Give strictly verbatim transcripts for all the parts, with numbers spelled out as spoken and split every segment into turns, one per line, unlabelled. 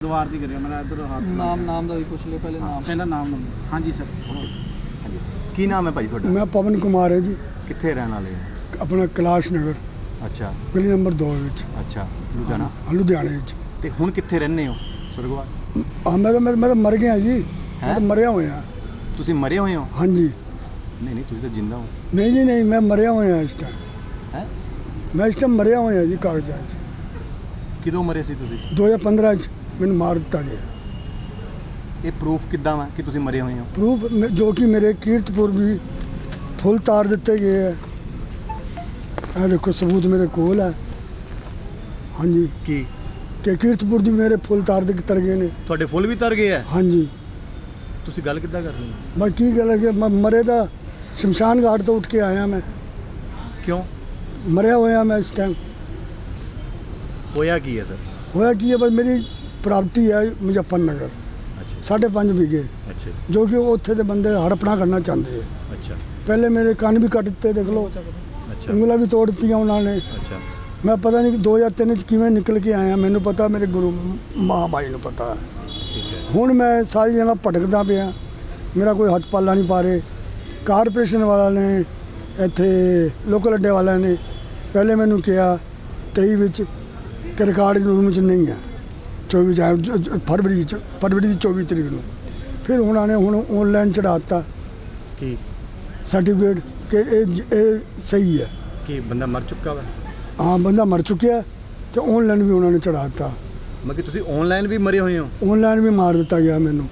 ਦੁਆਰ ਦੀ ਕਰਿਆ ਮੇਰਾ ਇਧਰ ਹੱਥ
ਨਾਮ ਨਾਮ ਦਾ ਵੀ ਪੁੱਛ ਲਿਓ ਪਹਿਲੇ ਨਾਮ
ਪਹਿਲਾਂ ਨਾਮ ਨੂੰ ਹਾਂਜੀ ਸਰ
ਹਾਂਜੀ ਕੀ ਨਾਮ ਹੈ ਭਾਈ ਤੁਹਾਡਾ?
मैं पवन कुमार है जी,
ਕਿੱਥੇ ਰਹਿਣ ਵਾਲੇ ਹੋ?
अपना कैलाश नगर
ਅੱਛਾ
गली नंबर दो विच
ਅੱਛਾ ਲੁਧਿਆਣਾ।
लुधियाने विच।
ਤੇ ਹੁਣ ਕਿੱਥੇ ਰਹਿੰਦੇ ਹੋ ਸੁਰਗਵਾਸ?
हाँ मैं तो मैं मैं तो मर गया जी, मैं तो मरिया हुआ हाँ।
ਤੁਸੀਂ ਮਰੇ ਹੋਏ ਹੋ?
हाँ जी
ਨਹੀਂ ਨਹੀਂ ਤੁਸੀਂ ਤਾਂ ਜਿੰਦਾ ਹੋ।
नहीं जी नहीं, मैं मरिया हुआ इस टाइम।
ਹੈ
मैं इस टाइम मरिया हुआ जी कागजात।
ਕਿਦੋਂ ਮਰੇ ਸੀ ਤੁਸੀਂ?
दो हज़ार पंद्रह मैंने मार दिता गया।
ਇਹ ਪ੍ਰੂਫ ਕਿੱਦਾਂ ਵਾ ਕਿ ਤੁਸੀਂ ਮਰੇ ਹੋਏ ਹੋ?
प्रूफ में- जो कि मेरे कीर्तपुर भी फुल तार दिते गए है। आ देखो सबूत मेरे कोल है। हाँ जी
ਕੀ
कि कीर्तपुर भी मेरे फुल तार दे तर गए ने।
ਤੁਹਾਡੇ ਫੁੱਲ ਵੀ ਤਰ ਗਏ ਆ?
हाँ जी
ਤੁਸੀਂ ਗੱਲ ਕਿੱਦਾਂ ਕਰ ਰਹੇ ਹੋ?
मैं की गल है कि मैं मरे था शमशान घाट तो उठ के आया मैं,
ਕਿਉਂ
मरिया हुआ मैं इस टाइम।
ਹੋਇਆ ਕੀ ਹੈ ਸਰ?
होया कि बस मेरी प्रॉपर्टी है मुजफ्फरनगर
ਅੱਛਾ
साढ़े पाँच बीघे,
ਅੱਛा
जो कि उत्थे दे बंदे हड़पना करना चाहते हैं।
ਅੱਛਾ
पहले मेरे कान भी कट दिते, देख लो
ਅੱਛਾ
उंगला भी तोड़ दी उन्होंने।
ਅੱਛਾ
मैं पता नहीं दो हज़ार तीन किवें निकल के आया, मैनू पता मेरे गुरु माँ बाई नू पता है।
ਠੀਕ ਹੈ
हुण मैं सारी जगह भटकदा पिया, मेरा कोई हथ पाला नहीं पा रहे। कारपोरेशन वाला ने इत्थे लोकल अड्डे वाले ने पहले मैनू कहा तेई विच कि रिकॉर्ड रूम च नहीं है, चौबी फरवरी च फरवरी की चौबी तरीक नू। फिर उन्होंने हुण ऑनलाइन चढ़ाता
ਕੀ
सर्टिफिकेट कि ये ये सही है।
ਕੀ ਬੰਦਾ ਮਰ ਚੁੱਕਾ ਵਾ?
हाँ बंदा मर चुका है, तो ऑनलाइन भी उन्होंने चढ़ाता।
ਮੈਂ ਕਿ ਤੁਸੀਂ ਆਨਲਾਈਨ ਵੀ ਮਰੇ ਹੋਏ ਹੋ?
ऑनलाइन भी मार दिता गया मैनू।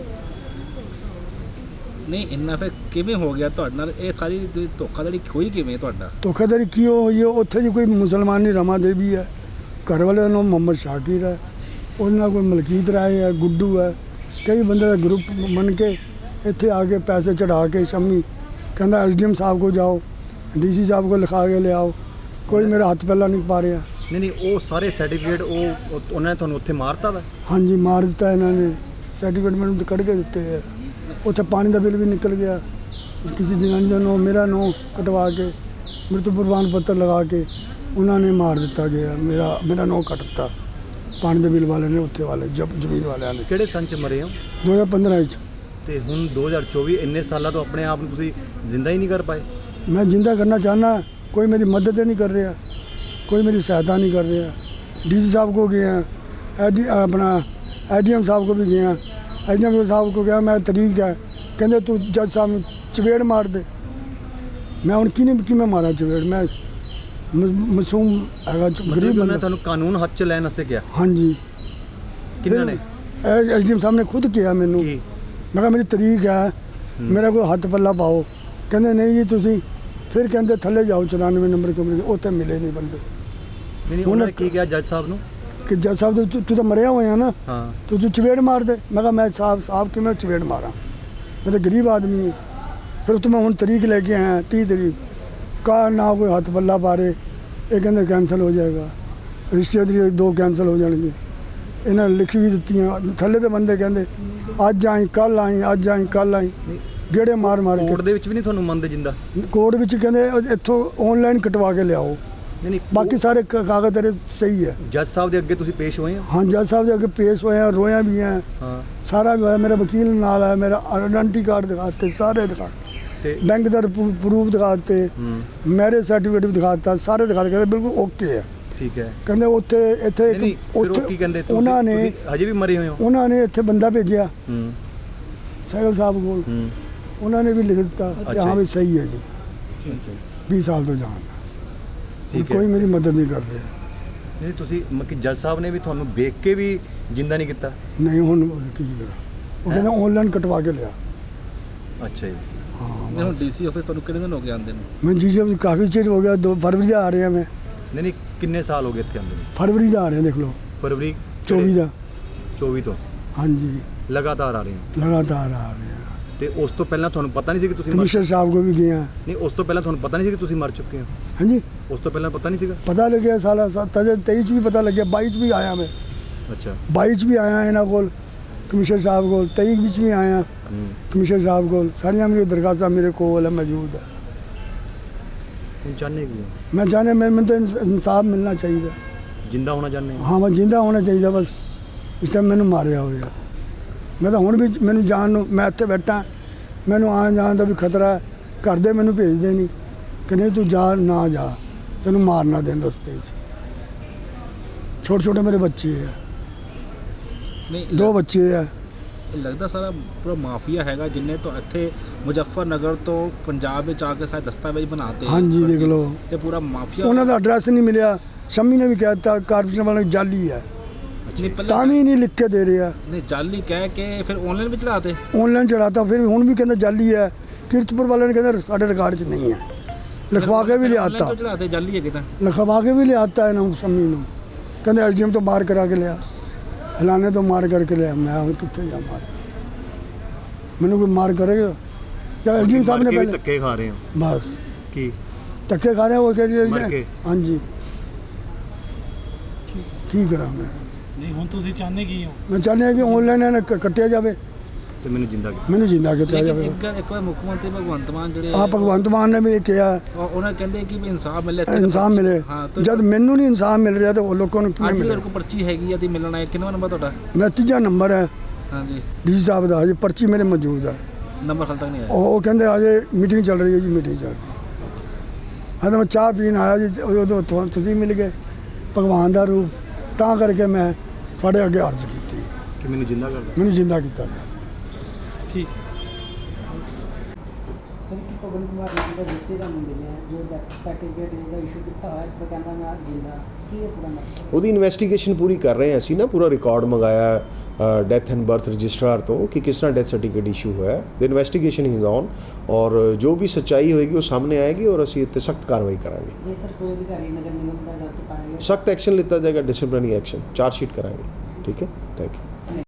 ਨਹੀਂ ਇੰਨਾ ਫਿਰ ਕਿਵੇਂ ਹੋ ਗਿਆ ਤੁਹਾਡੇ ਨਾਲ? ਇਹ ਸਾਰੀ ਤੁਸੀਂ ਧੋਖਾਧੜੀ ਹੋਈ ਕਿਵੇਂ ਤੁਹਾਡਾ?
धोखाधड़ी की हुई है? उत्थे जी कोई मुसलमानी रमा देवी है, घर वाले का नाम मोहम्मद शाकिर है, उन्होंने कोई मलकीत राय है, गुड्डू है, कई बंदे का ग्रुप बन के इत्थे आके पैसे चढ़ा के शमी कहता एस डी एम साहब को जाओ, डी सी साहब को लिखा के ले आओ। कोई मेरा हथ पहला नहीं पा रहा।
ਨਹੀਂ ਨਹੀਂ ਉਹ ਸਾਰੇ ਸਰਟੀਫਿਕੇਟ ਉਹ ਉਹ- ਉਹਨਾਂ ਨੇ ਤੁਹਾਨੂੰ ਉੱਥੇ ਮਾਰਤਾ ਵਾ?
हाँ जी मार दिता इन्होंने, सर्टिफिकेट मैंने तो कट के दिते है। उत्थे पानी का बिल भी निकल गया, किसी जनानी का नो मेरा नो कटवा के मृत्यु प्रमाण पत्र लगा के उन्होंने मार दिता गया। मेरा मेरा नो कटता पानी के बिल वाले ने, उत्थे वाले जब जमीन वाले ने।
ਕਿਹੜੇ ਸੰਨ ਚ ਮਰੇ ਹੋ?
दो हज़ार पंद्रह
ਤੇ ਹੁਣ ਦੋ ਹਜ਼ਾਰ ਚੌਵੀ ਇੰਨੇ ਸਾਲਾਂ ਤੋਂ ਆਪਣੇ ਆਪ ਨੂੰ ਤੁਸੀਂ ਜ਼ਿੰਦਾ ਹੀ ਨਹੀਂ ਕਰ ਪਾਏ?
मैं जिंदा करना चाहना, कोई मेरी मदद नहीं कर रहा, कोई मेरी सहायता नहीं कर रहा। डी सी साहब को गया, एडी अपना ए डी एम साहब को भी गया, ए डी एम साहब को गया मैं तरीक है, कहते तू जज साहब में चपेड़ मार दे। मैं हूँ कि कि मैं मारा चपेड़? मैं मासूम है, गरीब
ਉਹਨਾਂ ਨੇ
बंदा।
ਤੁਹਾਨੂੰ ਕਾਨੂੰਨ ਹੱਥ ਚ ਲੈਣ ਵਾਸਤੇ ਕਿਹਾ?
हाँ जी
ਕਿੰਨਾਂ ਨੇ?
एस डी एम साहब ने खुद किया मैनू।
ਕੀ
मैं कहा मेरी तरीक है, मेरा कोई हथ पल्ला पाओ। कहते नहीं जी तुसी, फिर कहते थले जाओ चौरानवे नंबर कमरे, उत्थे मिले नहीं बंदे।
ਨਹੀਂ ਨਹੀਂ ਉਹਨਾਂ ਨੇ ਕੀ ਕਿਹਾ ਜੱਜ ਸਾਹਿਬ ਨੂੰ?
कि जज साहब तू तू तो मरिया हुआ है ना,
ਹਾਂ
तो तू चपेड़ मार दे। मैं कहा मैं साहब साहब कि मैं चपेड़ मारा, मैं तो गरीब आदमी हूँ। फिर तो मैं हूँ तरीक लेके आया तीस तरीक, कहा ना कोई हथ पल्ला पा रहे, ये कहते कैंसल हो जाएगा, रिश्तेदारी दो कैंसल हो जाएंगे। इन्हें लिख भी दी, थले तो बंदे कहते अज आई कल आई अज आई कल आई, गेड़े मार मार
ਕੋਰਟ
के।
ਦੇ ਵਿੱਚ ਵੀ ਨਹੀਂ ਤੁਹਾਨੂੰ ਮੰਨਦੇ ਜਿੰਦਾ?
कोर्ट विच कहते इत्थों ऑनलाइन कटवा के लियाओ,
ਨਹੀਂ ਨਹੀਂ
बाकी सारे क- कागज तेरे सही है।
ਜੱਜ ਸਾਹਿਬ ਦੇ ਅੱਗੇ ਤੁਸੀਂ ਪੇਸ਼ ਹੋਏ ਹੋ?
हाँ जज साहब के अगे पेश होए हैं, रोया भी हैं,
ਹਾਂ
सारा भी होया। मेरा वकील नाल है, मेरा आइडेंटिटी कार्ड दिखाते, सारे दिखा,
ਤੇ
बैंक का प्रूफ दिखाते, मैरिज सर्टिफिकेट भी दिखाता, सारे दिखाते, कहते बिल्कुल ओके है।
ਠੀਕ ਹੈ।
कहते उत्थे इत्थे
ਨਹੀਂ ਨਹੀਂ
एक
ਫਿਰ ਉਹ ਕੀ ਕਹਿੰਦੇ?
उत्थे
ਤੁਸੀਂ-
उन्होंने
ਤੁਸੀਂ ਹਜੇ ਵੀ ਮਰੇ ਹੋਏ ਹੋ?
उन्होंने इत्थे बंदा भेजा
ਹੂੰ
सैगल साहब को,
ਹੂੰ
उन्होंने भी लिख दिता कि
अच्छा।
हाँ भी सही है जी,
ਅੱਛਾ
बीस साल तो जान।
ਠੀਕ ਹੈ।
कोई मेरी मदद नहीं कर रहे।
ਨਹੀਂ ਤੁਸੀਂ ਮਤਲਬ ਕਿ ਜੱਜ ਸਾਹਿਬ ਨੇ ਵੀ ਤੁਹਾਨੂੰ ਦੇਖ ਕੇ ਵੀ ਜਿੰਦਾ ਨਹੀਂ ਕੀਤਾ?
नहीं हूँ की करा, वो कहते ऑनलाइन कटवा के लिया।
ਅੱਛਾ ਜੀ।
ਨਹੀਂ ਹੁਣ ਡੀਸੀ ਆਫਿਸ ਤੁਹਾਨੂੰ ਕਿੰਨੇ ਦਿਨ ਹੋ ਗਏ ਆਉਂਦੇ ਨੂੰ?
मैं जी जी काफ़ी चिर हो गया, दो फरवरी का आ रहे हैं, मैं
ਨਹੀਂ ਨਹੀਂ ਕਿੰਨੇ ਸਾਲ ਹੋ ਗਏ ਇੱਥੇ ਆਉਂਦੇ ਨੂੰ?
फरवरी का आ रहे हैं, देख लो
ਫਰਵਰੀ
चौबीस का।
ਚੌਵੀ ਤੋਂ
हाँ जी
ਲਗਾਤਾਰ ਆ ਰਹੇ ਹੋ?
लगातार आ रहे हैं।
ਤੇ ਉਸ ਤੋਂ ਪਹਿਲਾਂ ਤੁਹਾਨੂੰ ਪਤਾ ਨਹੀਂ ਸੀ ਕਿ ਤੁਸੀਂ ਮਰ
कमिश्नर साहब को भी गए हैं।
ਨਹੀਂ ਉਸ ਤੋਂ ਪਹਿਲਾਂ ਤੁਹਾਨੂੰ ਪਤਾ ਨਹੀਂ ਸੀ ਕਿ ਤੁਸੀਂ ਮਰ ਚੁੱਕੇ ਹੋ?
हाँ जी
ਉਸ ਤੋਂ ਪਹਿਲਾਂ ਪਤਾ ਨਹੀਂ ਸੀਗਾ?
पता लग गया साला सा तजे तेईस भी पता लग गया, बाईस भी आया मैं,
ਅੱਛਾ
बाईस भी आया इन्हों को कमिश्नर साहब को, तेईस बिच भी आया
ਹੂੰ
कमिश्नर साहब को, सारिया मेरी दरखास्त मेरे को मौजूद है।
ਹੁਣ ਚਾਹੁੰਦੇ ਕੀ ਹੋ?
मैं जाने मैं मैं तो इंसाफ मिलना चाहिए,
ਜਿੰਦਾ ਹੋਣਾ ਚਾਹੁੰਦੇ ਹੋ?
हाँ मैं जिंदा होना चाहिए बस। ਇਸ ਟਾਈਮ ਮੈਨੂੰ ਮਾਰਿਆ ਹੋਇਆ। ਮੈਂ ਤਾਂ ਹੁਣ ਵੀ ਮੈਨੂੰ ਜਾਣ ਨੂੰ, ਮੈਂ ਇੱਥੇ ਬੈਠਾ, ਮੈਨੂੰ ਆਉਣ ਜਾਣ ਦਾ ਵੀ ਖਤਰਾ ਹੈ। ਘਰ ਦੇ ਮੈਨੂੰ ਭੇਜਦੇ ਨਹੀਂ ਕਿ ਨਹੀਂ ਤੂੰ ਜਾ, ਨਾ ਜਾ, ਤੈਨੂੰ ਮਾਰਨਾ ਦੇਣ ਰਸਤੇ ਵਿੱਚ। ਛੋਟੇ ਛੋਟੇ ਮੇਰੇ ਬੱਚੇ ਹੈ,
ਨਹੀਂ
ਦੋ ਬੱਚੇ ਹੈ।
ਇਹ ਲੱਗਦਾ ਸਾਰਾ ਪੂਰਾ ਮਾਫੀਆ ਹੈਗਾ ਜਿੰਨੇ ਤੋਂ ਇੱਥੇ ਮੁਜ਼ੱਫਰਨਗਰ ਤੋਂ ਪੰਜਾਬ ਵਿੱਚ ਆ ਕੇ ਸਾਰੇ ਦਸਤਾਵੇਜ਼ ਬਣਾਤੇ।
ਹਾਂਜੀ ਦੇਖ ਲਓ,
ਇਹ ਪੂਰਾ ਮਾਫੀਆ।
ਉਹਨਾਂ ਦਾ ਐਡਰੈਸ ਨਹੀਂ ਮਿਲਿਆ। ਸ਼ਮੀ ਨੇ ਵੀ ਕਹਿ ਦਿੱਤਾ ਕਾਰਪੋਰੇਸ਼ਨ ਵਾਲੇ ਨੂੰ ਜਾਲੀ ਹੈ,
ਨਹੀਂ ਪਹਿਲਾਂ
ਤਾਂ ਵੀ ਨਹੀਂ ਲਿਖ ਕੇ ਦੇ ਰਿਹਾ।
ਨਹੀਂ ਜਾਲੀ ਕਹਿ ਕੇ ਫਿਰ ਆਨਲਾਈਨ ਵੀ ਚੜਾਤੇ।
ਆਨਲਾਈਨ ਚੜਾਤਾ, ਫਿਰ ਹੁਣ ਵੀ ਕਹਿੰਦਾ ਜਾਲੀ ਹੈ। ਕੀਰਤਪੁਰ ਵਾਲਿਆਂ ਨੇ ਕਹਿੰਦਾ ਸਾਡੇ ਰਿਕਾਰਡ 'ਚ ਨਹੀਂ ਹੈ, ਲਿਖਵਾ ਕੇ ਵੀ ਲਿਆਤਾ,
ਚੜਾਤੇ ਜਾਲੀ ਹੈਗੇ ਤਾਂ
ਲਿਖਵਾ ਕੇ ਵੀ ਲਿਆਤਾ ਇਹਨਾਂ ਸ਼ਮੀ ਨੂੰ। ਕਹਿੰਦੇ ਐਲਜੀਐਮ ਤੋਂ ਮਾਰ ਕਰਾ ਕੇ ਲਿਆ, ਫਲਾਣੇ ਤੋਂ ਮਾਰ ਕਰਕੇ ਲਿਆ। ਮੈਂ ਹੁਣ ਕਿੱਥੇ ਜਾ ਮਾਰ, ਮੈਨੂੰ ਕੋਈ ਮਾਰ ਕਰੇਗਾ? ਜਾਂ ਐਲਜੀਐਮ ਸਾਹਿਬ ਨੇ ਪਹਿਲੇ
ਧੱਕੇ ਖਾ ਰਹੇ ਹੋ
ਬਸ
ਕੀ
ਧੱਕੇ ਖਾ ਰਹੇ ਉਹ
ਮਰ
ਕਹਿੰਦੇ
ਕੇ?
ਹਾਂਜੀ ਕੀ ਕਰਾਂ ਮੈਂ?
ਨਹੀਂ ਹੁਣ ਤੁਸੀਂ ਚਾਹੁੰਦੇ ਕੀ ਹੋ?
ਮੈਂ ਚਾਹੁੰਦਾ ਕਿ ਆਨਲਾਈਨ ਇਹਨਾਂ ਕ- ਕੱਟਿਆ ਜਾਵੇ,
ਤੇ ਮੈਨੂੰ ਜਿੰਦਾ ਕੀਤਾ।
ਮੈਨੂੰ ਜਿੰਦਾ ਕੀਤਾ
ਲੇਕਿਨ
ਜਾਵੇ।
ਇੱਕ ਗੱਲ- ਇੱਕ ਵਾਰ ਮੁੱਖ ਮੰਤਰੀ ਭਗਵੰਤ ਮਾਨ ਜਿਹੜੇ
ਆ ਭਗਵੰਤ ਮਾਨ ਨੇ ਵੀ ਇਹ ਕਿਹਾ
ਉਹ- ਉਹਨਾਂ ਕਹਿੰਦੇ ਕਿ ਵੀ ਇਨਸਾਫ ਮਿਲੇ ਇੱਥੇ।
ਇਨਸਾਫ ਮਿਲੇ।
ਹਾਂ, ਤੇ
ਜਦ ਮੈਨੂੰ ਨਹੀਂ ਇਨਸਾਫ ਮਿਲ ਰਿਹਾ ਤਾਂ ਉਹ ਲੋਕਾਂ ਨੂੰ ਕਿਵੇਂ
ਅੱਜ ਵੀ
ਮਿਲੇ?
ਤੁਹਾਡੇ ਕੋਲ ਪਰਚੀ ਹੈਗੀ ਆ ਤੇ ਮਿਲਣਾ ਹੈ। ਕਿੰਨਾ ਨੰਬਰ ਤੁਹਾਡਾ?
ਮੈਂ ਤੀਜਾ ਨੰਬਰ ਹੈ
ਹਾਂਜੀ,
ਡੀ ਸਾਹਿਬ ਦਾ, ਹਜੇ ਪਰਚੀ ਮੇਰੇ ਮੌਜੂਦ ਹੈ।
ਨੰਬਰ ਹਾਲ ਤੱਕ ਨਹੀਂ ਆਇਆ।
ਉਹ ਉਹ ਕਹਿੰਦੇ ਹਜੇ ਮੀਟਿੰਗ ਚੱਲ ਰਹੀ ਹੈ ਜੀ, ਮੀਟਿੰਗ ਚੱਲ ਰਹੀ ਹੈ। ਬਸ ਹਾਂ ਤਾਂ ਮੈਂ ਚਾਹ ਪੀਣ ਆਇਆ ਜੀ, ਉਦੋਂ ਤੁਹਾਨੂੰ ਤੁਸੀਂ ਮਿਲ ਗਏ ਭਗਵਾਨ ਦਾ ਰੂਪ, ਤਾਂ ਕਰਕੇ ਮੈਂ ਤੁਹਾਡੇ ਅੱਗੇ ਅਰਜ਼ ਕੀਤੀ
ਕਿ ਮੈਨੂੰ ਜਿੰਦਾ ਕਰ ਦਿਓ।
ਮੈਨੂੰ ਜਿੰਦਾ ਕੀਤਾ ਗਿਆ।
ਠੀਕ।
ਸਰ ਕੀ ਪਵਨ ਕੁਮਾਰ ਜੀ ਦਾ ਜਿੱਤੇ ਦਾ ਮੁੰਡੇ ਨੇ ਜੋ ਡੈਥ ਸਰਟੀਫਿਕੇਟ ਦਾ ਇਸ਼ੂ ਕੀਤਾ ਹੋਇਆ ਪਰ ਕਹਿੰਦਾ ਮੈਂ ਅੱਜ ਜਿੰਦਾ, ਕੀ ਇਹ ਪੂਰਾ ਮਸਲਾ?
ਉਹਦੀ ਇਨਵੈਸਟੀਗੇਸ਼ਨ ਪੂਰੀ ਕਰ ਰਹੇ ਹਾਂ ਅਸੀਂ ਨਾ, ਪੂਰਾ ਰਿਕਾਰਡ ਮੰਗਾਇਆ ਡੈਥ ਐਂਡ ਬਰਥ ਰਜਿਸਟਰਾਰ ਤੋਂ ਕਿ ਕਿਸ ਤਰ੍ਹਾਂ ਡੈਥ ਸਰਟੀਫਿਕੇਟ ਇਸ਼ੂ ਹੋਇਆ। ਦ ਇਨਵੈਸਟੀਗੇਸ਼ਨ ਇਜ਼ ਔਨ ਔਰ ਜੋ ਵੀ ਸੱਚਾਈ ਹੋਏਗੀ ਉਹ ਸਾਹਮਣੇ ਆਏਗੀ ਔਰ ਅਸੀਂ ਇੱਥੇ ਸਖਤ ਕਾਰਵਾਈ ਕਰਾਂਗੇ।
ਜੇ ਸਰ ਕੋਈ ਅਧਿਕਾਰੀ ਨਗਰ ਨਿਗਮ ਦਾ ਗਲਤ ਪਾਇਆ ਗਿਆ
ਸਖਤ ਐਕਸ਼ਨ ਲਿੱਤਾ ਜਾਏਗਾ, ਡਿਸਪਲਿਨਰੀ ਐਕਸ਼ਨ, ਚਾਰਜ ਸ਼ੀਟ ਕਰਾਂਗੇ। ਠੀਕ ਹੈ, ਥੈਂਕ ਯੂ।